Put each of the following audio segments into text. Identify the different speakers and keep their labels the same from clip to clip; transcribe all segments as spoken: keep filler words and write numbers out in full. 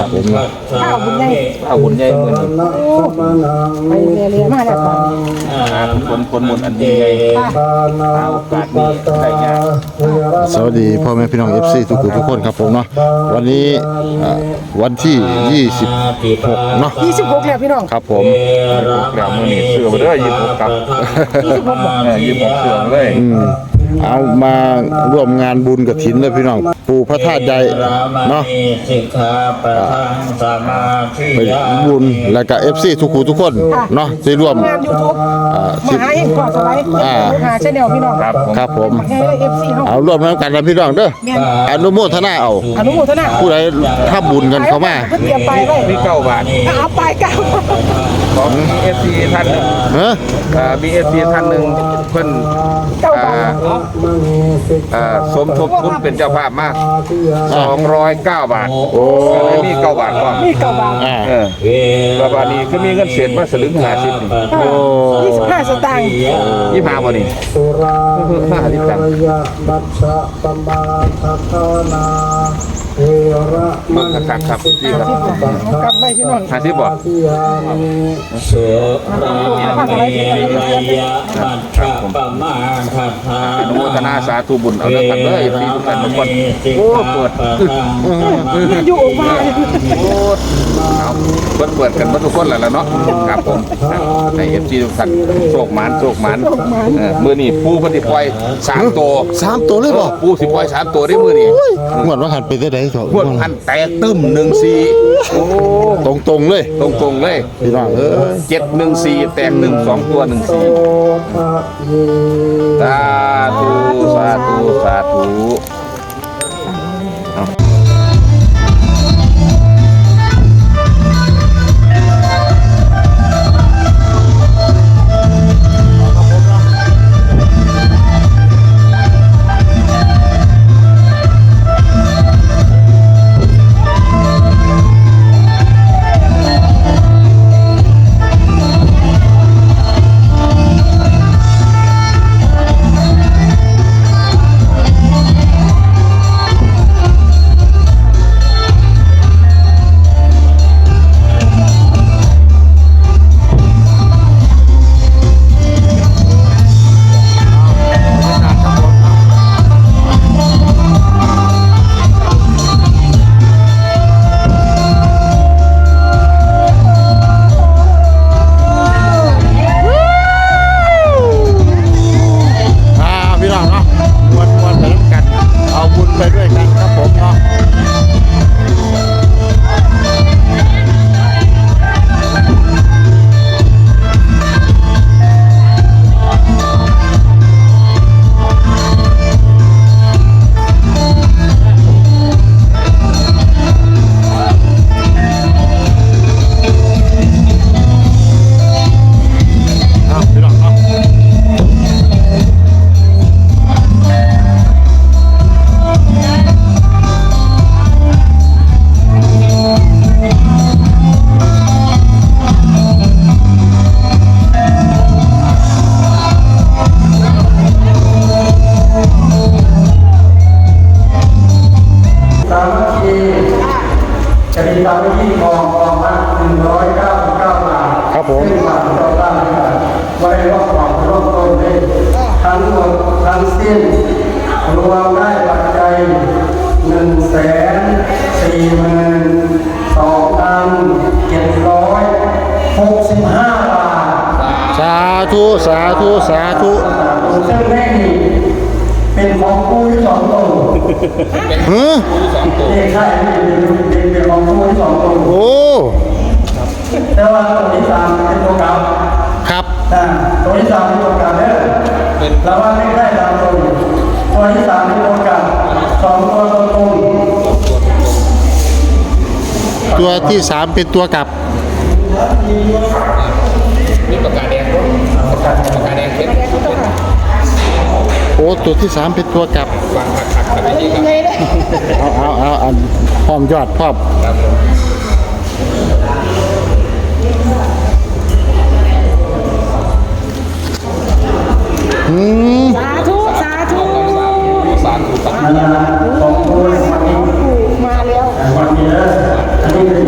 Speaker 1: ผม
Speaker 2: ข้าวบุญใหญ่
Speaker 1: ข้าวบุญใหญ่เหมือน
Speaker 2: ไปเรียนมาแล้ว
Speaker 1: คนคนหมดอันนี้ไงโอกาสนี้ได้ยากสวัสดีพ่อแม่พี่น้อง เอฟ ซี ทุกคนทุกคนครับผมเนาะวันนี้วันที่ยี่สิบหกเนาะ
Speaker 2: ยี่สิบหกแล้วพี่น้อง
Speaker 1: ครับผมแล้วมื้อนี้เสื้อมาเด้อยี่สิบหกครับยี่สิบหกเออยี่สิบหกเสื้อเลยเอามาร่วมงานบุญกฐินเลยพี่น้องปู่พระธาตุใหญ่เนาะไปบุญแล้วก็ เอฟ ซี ทุกคนทุกคนเนาะที่ร่วม
Speaker 2: งาน YouTube มหาเฮงก่อนสไลด์มหาชาแนลพี่น้อง
Speaker 1: ครับครับผม
Speaker 2: เอฟซีเฮา
Speaker 1: เอาร่วมกันนะพี่น้องเด้ออนุโมทนาเอา
Speaker 2: อนุโมทนา
Speaker 1: ผู้ใดถ้าบุญกันเข้ามา
Speaker 2: เพิ่นเตรียมไปไว้
Speaker 1: มีเก้าบาท
Speaker 2: เอาไปเก้า
Speaker 1: ของ เอฟ ซี ท่านนึงฮะอ่า บี เอฟ ซี ท่านนึงเพิ่นอ่าอ่าสมทบทุนเป็นเจ้าภาพมากสองร้อยเก้าบาทโอ้มีเก้าบาทก่อน
Speaker 2: มีเก้าบาท
Speaker 1: อ่าเออแล้วบาทนี้คือมีเงินเศษมาสลึงห้าสิบนี่
Speaker 2: โอ้ยี่สิบห้าสตางค์
Speaker 1: ยี่สิบห้าบ่นี่ห้าสิบตังค์มันคักครับพี่ครับ
Speaker 2: กลับไปพี่น้อง
Speaker 1: ห้าสิบบ่
Speaker 3: เสือราเมยบัตรประมาณทัพพา
Speaker 1: อนุโมทนาสาธุบุญเอาเด้อครับเด้อที่ทุกท่านทุกคนโอ้เปิด
Speaker 2: อยู่ออกมา
Speaker 1: โอ้เอาเปิดเปิดกันหมดทุกคนแล้วล่ะเนาะครับผมใน เอฟ ซี ทุกท่านโชคหมานโชคหมานเออมื้อนี้ปูเพิ่นสิปล่อยสามตัว
Speaker 4: สามตัวเลยบ่
Speaker 1: ปูสิปล่อยสามตัวได้มื้อนี้
Speaker 4: งวดว่าหันไปได้ได๋
Speaker 1: งวดหันแตกตึ้มหนึ่งสี่โอ้
Speaker 4: ตรงๆเลย
Speaker 1: ตรงๆเลย
Speaker 4: พี่น้องเอ้ย
Speaker 1: เจ็ดหนึ่งสี่แตกหนึ่งสองตัวหนึ่งสี่สาธุสาธุสาธุ
Speaker 5: รวมได้ปัจจัยหนึ่งแสนสี่หมื่นสองพันเจ็ดร้อยหกสิบห้าบาท
Speaker 4: สาธุสาธุสาธุ
Speaker 5: ซึ่งเลขนี้เป็นของผู้ที่สองตน
Speaker 4: ฮะ
Speaker 5: เลขใช่เป็นเป็นของผู้ที่สองตน
Speaker 4: โอ้
Speaker 5: แต่ว่าตัวที่สามเป็นตัวเก่า
Speaker 4: ครับ
Speaker 5: ตัวที่สามเป็นตัวเก่าเนี่ยเราว่าไม่ได้ตามตรงตัวที่สามเป็นตัวเก่าสองตัวตรงตรง
Speaker 4: ตัวที่สามเป็นตัวกลับ
Speaker 1: นี่ปากกาแดงปากกาปากกาแดงเพชร
Speaker 4: โอ้ตัวที่สามเป็นตัวกลับเอาเอาเอาอันพร้อมยอดพร้อมอืม
Speaker 2: สาธุสาธุ
Speaker 1: สาธุสาธุ
Speaker 5: ของผู้มาแล้ว
Speaker 2: มาแล้ว
Speaker 5: วันนี้อันนี้เป็น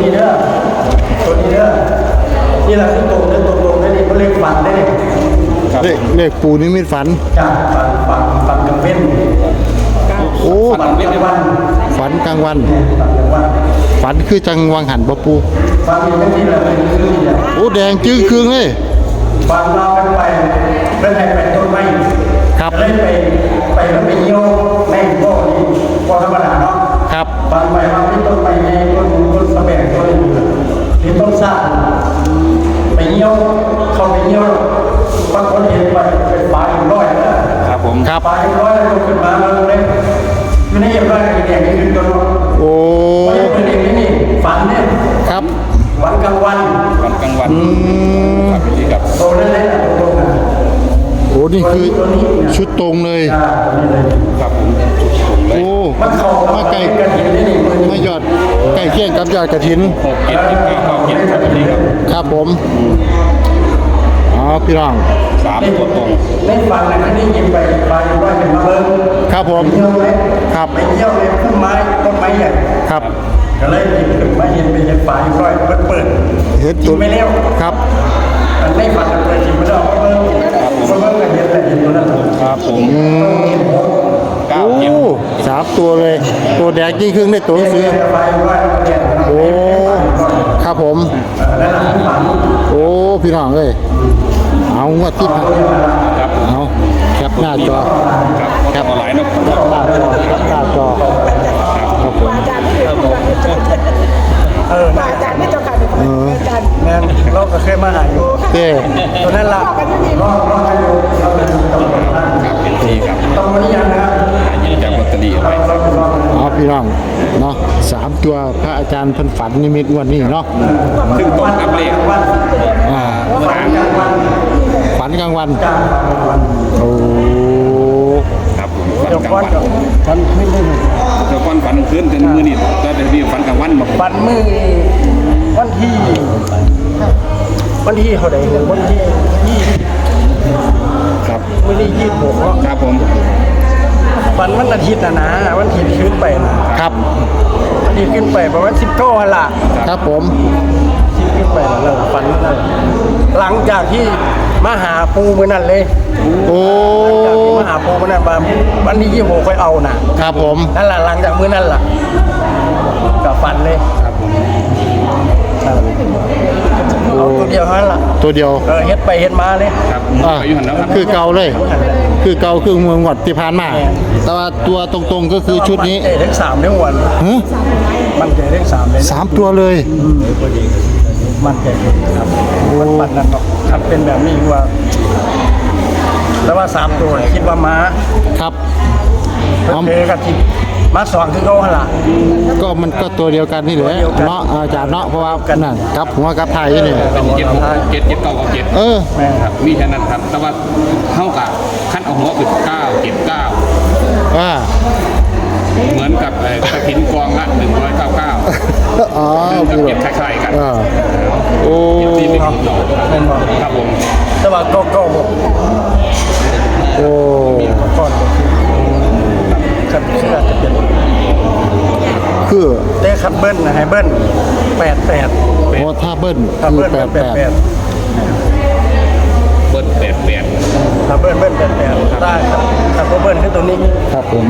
Speaker 5: นี้เด้อตัวนี้เด้อนี่แหละคือตรงเด้อตรงตรงได้นี่ก็เรียกฝันได้นี่
Speaker 4: เลขเลขปูนิมิตฝัน
Speaker 5: จ้าฝันฝันฝันกลางเว้น
Speaker 4: โอ้
Speaker 5: ฝันกลางวัน
Speaker 4: ฝันกลางวัน
Speaker 5: ฝันกลางวัน
Speaker 4: ฝันคือจังวังหันบ่ปู
Speaker 5: ฝันอย่างนี้แหละเป็นคือนี่แหละ
Speaker 4: โอ้แดงจึ้งครึ่งเลย
Speaker 5: ฝันเรากันไปเรื่องไหนไปต้นไม้
Speaker 4: ครับ
Speaker 5: เลยไปไปแล้วไปเยี่ยวแม่งโบ้นี่พอธรรมดาเนาะ
Speaker 4: ครับ
Speaker 5: ฝันไปว่าที่ต้นไม้ในต้นต้นสะแบงต้นที่ต้นซ่าไปเยี่ยวเขาไปเยี่ยวบางคนเห็นไปเป็นปลาอยู่ร้อยนะครับ
Speaker 1: ผม
Speaker 4: ครับ
Speaker 5: ปลาอยู่ร้อยแล้วขึ้นมาเลยอยู่ในเยี่ยมได้ไอ้แดงนี่คือตัวนู้น
Speaker 4: โอ้
Speaker 5: ไม่ใช่เป็นเองนี่ฝันเนี่ย
Speaker 4: ครับ
Speaker 5: วันกลางวัน
Speaker 1: วันกลางวันครับพี่ครับ
Speaker 5: โตนั่นแหละโตนั่น
Speaker 4: โอ้นี่คือชุดตรงเลย
Speaker 5: อ่าตัวนี้เลย
Speaker 1: ครับผมถูกเลย
Speaker 4: โอ้
Speaker 5: มันเข้ากับ
Speaker 4: มาไก่
Speaker 5: กระถิ่นนี่นี่มือนี่
Speaker 4: มายอดไก่เคี่ยงกับยอดกระถิน
Speaker 1: หกเจ็ดสิบเก้าเก้าเจ็ดครับพี่ครับ
Speaker 4: ครับผมอ๋อพี่น้อง
Speaker 1: สามตัวตรง
Speaker 5: ในฝันนะนี่ยิงไปปลาอยู่ร้อยเป็นมาเบิ้ง
Speaker 4: ครับผม
Speaker 5: ไปเยี่ยวเลย
Speaker 4: ครับ
Speaker 5: ไปเยี่ยวเลยต้นไม้ต้นไม้ใหญ่
Speaker 4: ครับ
Speaker 5: ก็เลยหยิบขึ้นมาเห็นไปเห็นปลาอยู่ร้อยเปิดเปิด
Speaker 4: เห็น
Speaker 5: กิ
Speaker 4: ตัวน
Speaker 5: ไม่เร็ว
Speaker 4: ครับ
Speaker 5: มันไม่ฝันกันเลยจิบไม่ได้เอามาเบิ้งมาเบิ้งกันเห็นแต่เห็นตัวนั้น
Speaker 1: ครับผมเก้า
Speaker 4: โอ้
Speaker 1: เจ็ด
Speaker 4: สามตัวเลย ตัวแดงยิ่งครึ่งในตัวหนังสือ
Speaker 5: ปลาอยู่ร้อยเนี่ย
Speaker 4: โอ้ครับผม
Speaker 5: นั่นแหละที่ฝัน
Speaker 4: โอ้พี่น้องเอ้ยเอางวดที่ผ่าน
Speaker 1: ครับผม
Speaker 4: เอาแคปหน้าจอ
Speaker 1: ครับครับออนไลน์เนาะ
Speaker 4: หน้าจอแคปหน้าจอครับผม
Speaker 2: อาจารย์ที่เป็นเอออาจารย์ที่เจ้าค่ะอาจารย์
Speaker 5: แม่นเราก็เคยมาหาอยู่
Speaker 4: เต้
Speaker 5: ตัวนั้นละรอรอให้อยู่เราเป็นตำรวจนะ
Speaker 1: ครับเป็นทีครับ
Speaker 5: ต้องมานี่ยังนะ
Speaker 1: หายืนจากลอตเตอรี่
Speaker 5: เราเราเรา
Speaker 4: เอาพี่น้องเนาะสามตัวพระอาจารย์เพันฝันนิมิตงวันนี้เนาะ
Speaker 1: ซึ่งตรงกับเลข
Speaker 5: วัน
Speaker 4: อ่า
Speaker 5: วันกลางวัน
Speaker 4: ฝันกลางวัน
Speaker 5: จ้างวัน
Speaker 4: โอ้
Speaker 1: ครับผมฝัน
Speaker 5: เดี๋ยว
Speaker 1: กลาง
Speaker 5: ก้อน
Speaker 1: วัน
Speaker 5: กับฟันขึ้นได้หนึ่ง
Speaker 1: เดี๋ยวก่อนฝันคืนถึงมือนี่ก็จะมีฝันกลางวันมา
Speaker 5: ฟันมือวันที่วันที่เขาได้วันที่ยี่
Speaker 1: ครับ
Speaker 5: วันที่ยี่สิบหกเนาะ
Speaker 1: ครับผม
Speaker 5: ฟันวันอาทิตย์นะนะวันอาทิตย์ขึ้นไปนะครับ วันอาทิตย์ขึ้นไปประมาณสิบเก้าวันละ
Speaker 4: ครับผม
Speaker 5: ที่ขึ้นไปแล้วฟันนั่นหลังจากที่มาหาปูมือนั่นเลย
Speaker 4: โอ้
Speaker 5: จากที่มาหาปูมือนั่นมาวันที่ยี่สิบหกค่อยเอานะครับ
Speaker 4: ผม
Speaker 5: นั่นแหละหลังจากมือนั่นล่ะกับฟันเลย
Speaker 1: ครับผม
Speaker 5: เอาตัวเดียวเท่านั้นล่ะ
Speaker 4: ตัวเดียว
Speaker 5: เออเฮ็ดไปเฮ็ดมาเลย
Speaker 1: ครับ
Speaker 4: อ่า
Speaker 1: ไปอยู่หันแล้วครับ
Speaker 4: คือเก่าเลย คือเก่าคือเมืองหวัดที่ผ่านมา แต่ว่าตัวตรงๆก็คือชุดนี้
Speaker 5: มันใจเลขสามทั้งวัน
Speaker 4: ฮะ
Speaker 5: มันใจเลขสามเลย
Speaker 4: สามตัวเลย
Speaker 5: มันใจครับมันมันนั่นเนาะถ้าเป็นแบบนี้ว่าแล้วว่าสามตัวเนี่ยคิดว่าม้า
Speaker 4: ครับ
Speaker 5: เพิ่นเจอกับที่ม้าสองคือเขาหั่นล่ะ
Speaker 4: ก็มันก็ตัวเดียวกันนี่แหละ
Speaker 5: ตัวเดียวกัน
Speaker 4: เนาะอาจารย์เนาะเพราะว่านั่นกับหัวกับไทยนี่
Speaker 1: เป็นเจ็ดหกเจ็ดเจ็ดเก้าเก้าเจ็ด
Speaker 4: เออ
Speaker 5: แม่น
Speaker 1: ครับมีแค่นั้นครับ แต่ว่าเท่ากับขั้นเอาหัวคือเก้าเจ็ดเก้า
Speaker 4: อ่า
Speaker 1: เหมือนกับเอ่อกระถินกองละหนึ่งร้อยเก้าเก้า
Speaker 4: อ๋อ
Speaker 1: กับ
Speaker 4: พี่
Speaker 1: เจ็ด
Speaker 4: น้
Speaker 1: ค
Speaker 4: อง
Speaker 1: ล้ายๆกัน
Speaker 4: อ่าโอ้
Speaker 1: ที่เป็นของเรา
Speaker 5: แม่นบ่
Speaker 1: ครับผม
Speaker 5: แต่ว่าก็ก็บ่
Speaker 4: โอ้
Speaker 5: ก่อนคันเชื่อจะเป็น
Speaker 4: คือ
Speaker 5: แต่คันเบิ้ลนะให้เบิ้ลแปดแปด
Speaker 4: โอ้ถ้าเบิ้ล
Speaker 5: ถ้า
Speaker 4: คือ
Speaker 5: เบิ้ล
Speaker 4: แปด
Speaker 5: แป
Speaker 4: แป
Speaker 5: ด
Speaker 4: ด
Speaker 5: แปด
Speaker 1: เบิร์ดแปดแปด
Speaker 5: ถ้าเบิ้ลเบิ้ลแปดแปดได้ครับถ้าบ่เบิ้ลคือตัวนี้
Speaker 4: ครับผม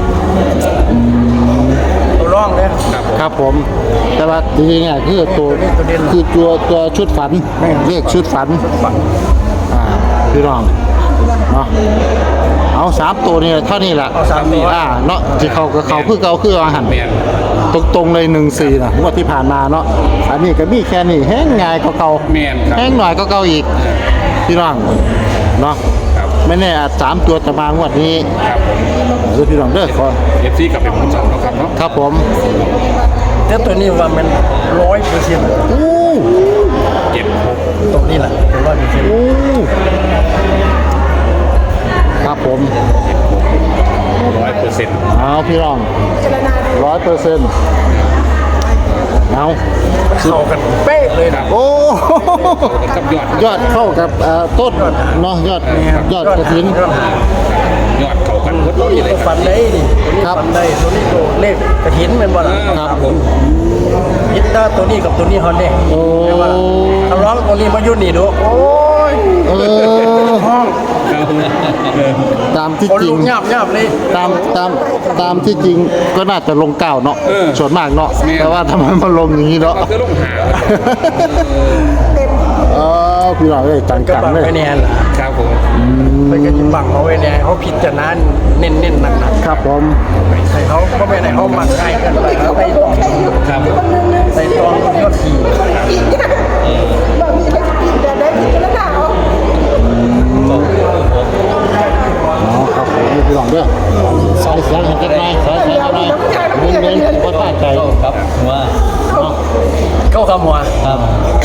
Speaker 5: ตัวร่องเนี่ย
Speaker 4: ครับผม แต่ว่าจริงๆเนี่ยคือตัว
Speaker 5: ตัวเด่น
Speaker 4: คือตัวตัวชุดฝัน
Speaker 5: แม่น
Speaker 4: เรียกชุดฝัน
Speaker 5: ฝัง
Speaker 4: อ่าพี่น้องเนาะเอาสามตัวนี่เท่านี้แหละ
Speaker 5: เอาสามตัว
Speaker 4: อ่าเนาะที่เขากับเขาคือเขาคืออาหาร
Speaker 1: แปด
Speaker 4: ตรงๆเลยหนึ่งสี่นะงวดที่ผ่านมาเนาะอันนี้ก็มีแค่นี้แห้งง่ายก็เก่า
Speaker 1: แมนครับ
Speaker 4: แห้งหน่อยก็เก่าอีกพี่น้องเนาะ
Speaker 1: ครับ
Speaker 4: ไม่แน่อาจสามตัวจะมางวดนี้
Speaker 1: ครับผม
Speaker 4: เด้อพี่น้องเด้อขอ
Speaker 1: เอฟซีกลับเป็นคนสองเขาครับเนาะ
Speaker 4: ครับผม
Speaker 5: แต่ตัวนี้ว่ามันร้อยเปอร์เซ็นต์
Speaker 4: อู้
Speaker 1: เจ็ดหก
Speaker 5: ตรงนี้แหละเป็นร้อยเปอร์เซ็นต์
Speaker 4: อู้ครับผม
Speaker 1: ร้อยเปอร์เซ็นต์
Speaker 4: เอาพี่น้องร้อยเปอร์เซ็นต์เอา
Speaker 5: เข้ากันเป๊ะเลยนะ
Speaker 4: โอ้
Speaker 1: กับยอด
Speaker 4: ยอดเข้ากับเอ่อต้นเนาะยอดยอดกระถิน
Speaker 5: ยอด
Speaker 1: ยอดเขากันหมด
Speaker 5: ตัวนี้ตัวฟันได้ดิตัวนี้ฟันได้ตัวนี้ตัวเลขกระถินเป็นบ่ล่ะ
Speaker 1: ครับผม
Speaker 5: ยิดตาตัวนี้กับตัวนี้ฮอนเด้
Speaker 4: โอ้
Speaker 5: ทำร้องตัวนี้มายุ่นนี่ดูโอ้ย
Speaker 4: เออ
Speaker 5: ห้อง
Speaker 4: ตามที่
Speaker 5: คน
Speaker 4: จริ
Speaker 5: ลุ
Speaker 4: ง
Speaker 5: กหยาบหยาบเลย
Speaker 4: ตามตามตามที่จริงก็น่าจะลงเก้าเนาะส่วนมากเนาะแต่ว่าทำไมมันลงอย่างนี้เนาะ
Speaker 1: เราจะลงหา
Speaker 4: เออพี่น้องเอ้ยจัง
Speaker 5: ก็
Speaker 4: จัง
Speaker 5: บัง
Speaker 4: เลย
Speaker 5: ไว้แน่ล่ะ
Speaker 1: ครับผม
Speaker 5: ไปก็จะบังเอาไว้แน่เขาพิจารณาเน้นเน้นๆหนักหนัก
Speaker 4: ครับผม
Speaker 5: ๆใส่เขาก็ไม่ได้เขาหมักง่ายเกินไปเขาไปตอง
Speaker 1: ครับ
Speaker 5: ใส่ตองยอดที
Speaker 2: บ่มีอะไรกินแต่ได้กินแล้วหนาว
Speaker 4: อ๋อครับผมพี่น้องเด้อสายเสียงให้กันหน่อยสายเสียงให้หน่อยเน้นๆบ่ตั้งใจ
Speaker 3: ครับว่า
Speaker 5: เข้าคำหัว
Speaker 3: ครับ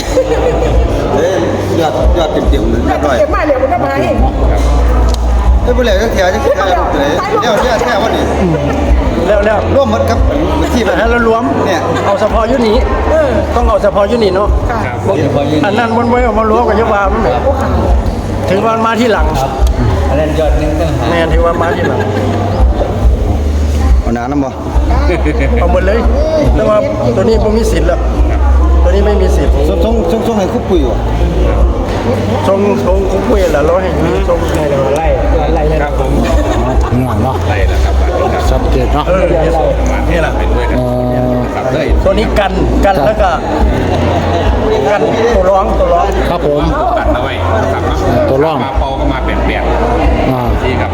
Speaker 6: ยอดยอดเต็มๆเลย
Speaker 2: แต่
Speaker 6: อร่อย
Speaker 2: เก็บมาเดี๋ยวมันก็มาเอง
Speaker 6: เอ้ยบ่แล้วจักเที่ยจักเที่ยเลยเดี๋ยวเที่ยแท้วันนี้
Speaker 5: แล้วแล้ว
Speaker 6: ร่วมหมดกับที่แบบ
Speaker 5: แต่แล้วรวม
Speaker 6: เนี่ย
Speaker 5: เอาเฉพาะยุนี้ต้องเอาเฉพาะยุนี้เนาะ
Speaker 1: ครับ
Speaker 5: อันนั้นมันไม่เอามารวมกับยกวามันแบบถึงวันมาที่หลัง
Speaker 3: อันนั้นยอดหนึงตั้งหา
Speaker 5: แม่ถือว่ามาที่หลัง
Speaker 6: เอาน้ำนำบ่
Speaker 5: เอาหมดเลยแต่ว่าตัวนี้ผมมีสิทธิ์แล้วตัวนี้ไม่มีสิทธิ์
Speaker 6: ส่งส่งส่งส่งให้คุปปุยว่ะ
Speaker 5: ทรงทรงคุ้มคุยแหละเราให้ทรงให้เราไล่ไล่
Speaker 1: ครับผม
Speaker 4: พี่น้องเนาะ
Speaker 1: ไล่แล้วครับครับ
Speaker 4: ชัดเจนเนาะ
Speaker 5: เออนี่แหละ
Speaker 1: เป็นด้วยกันครับได้
Speaker 5: ตัวนี้กันกันแล้วก็กันตัวร้องตัวร้อง
Speaker 4: ครับผม
Speaker 1: ตัดเอาไว้ครับ
Speaker 4: ตัวร่อง
Speaker 1: มาเปาก็มาเปลี่ยนเปลี่ยน
Speaker 4: อ่า
Speaker 1: ที่ครับ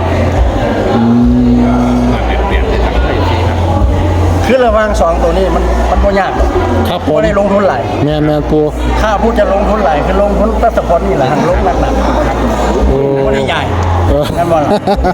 Speaker 1: มาเปลี่ยนเปลี่ยนที่ทำให้ที่ครับ
Speaker 5: คือระหว่างสองตัวนี้มันมันบ่ยาก
Speaker 4: ครับผม
Speaker 5: บ่ได้ลงทุนหลาย
Speaker 4: แมนแมนปู
Speaker 5: ถ้าพูดจะลงทุนหลายคือลงทุนตัสปอนนี่แหละหันลงหนักๆ
Speaker 4: โอ้
Speaker 5: บ่ได้ใหญ่
Speaker 4: เออ
Speaker 5: นั่นบ่ล่ะ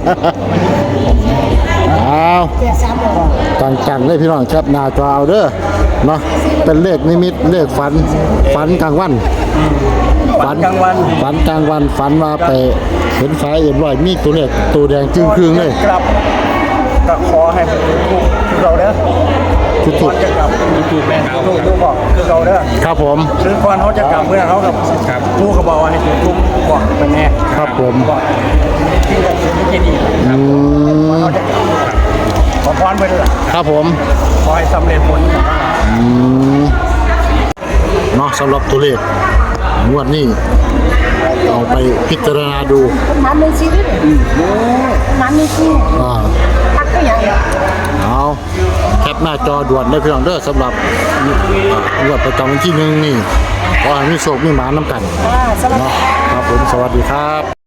Speaker 4: อ้าว
Speaker 2: แก่สามบอก
Speaker 4: จังจังเลยพี่น้องครับหนาจอเอาเด้อเนาะเป็นเลขนิมิตเลขฝันฝันกลางวัน
Speaker 5: ฝันกลางวัน
Speaker 4: ฝันกลางวันฝันว่าไปเห็นไฟเอ็มร้อยมีตัวเลขตัวแดงจึงครึ่งเลย
Speaker 5: กลับก็ขอให้เป็นทุกคือเราเด้อ
Speaker 4: ทุก
Speaker 5: ก่อนจะกลับถูกแม่นถูกถูกบอกคือเราเด้อ
Speaker 4: ๆครับผม
Speaker 5: คือก่อนเขาจะกลับเมื่อเขากับผู้เขาบอกว่าให้ถูกทุกบอกเป็นแน่
Speaker 4: ครับผม
Speaker 5: บอกที่จะสิ่งที่ดี
Speaker 4: อืม
Speaker 5: เขาจะกลับขอพรไปด้วย
Speaker 4: ครับผม
Speaker 5: ขอให้สำเร็จผล
Speaker 4: อืมเนาะสำหรับตัวเลขงวดนี้เอาไปพิจารณาดู
Speaker 2: มันมีชีวิตมันมีชีวิต
Speaker 4: อ่า
Speaker 2: พักก็อย่างเดียว
Speaker 4: เอาแคปหน้าจอด่วนได้เพียงเด้อสำหรับงวดประจำวันที่หนึ่งนี่ขอให้มีโชคมีหมาน้ำกัน
Speaker 2: อ่าสวัสดี
Speaker 4: เนาะครับผมสวัสดีครับ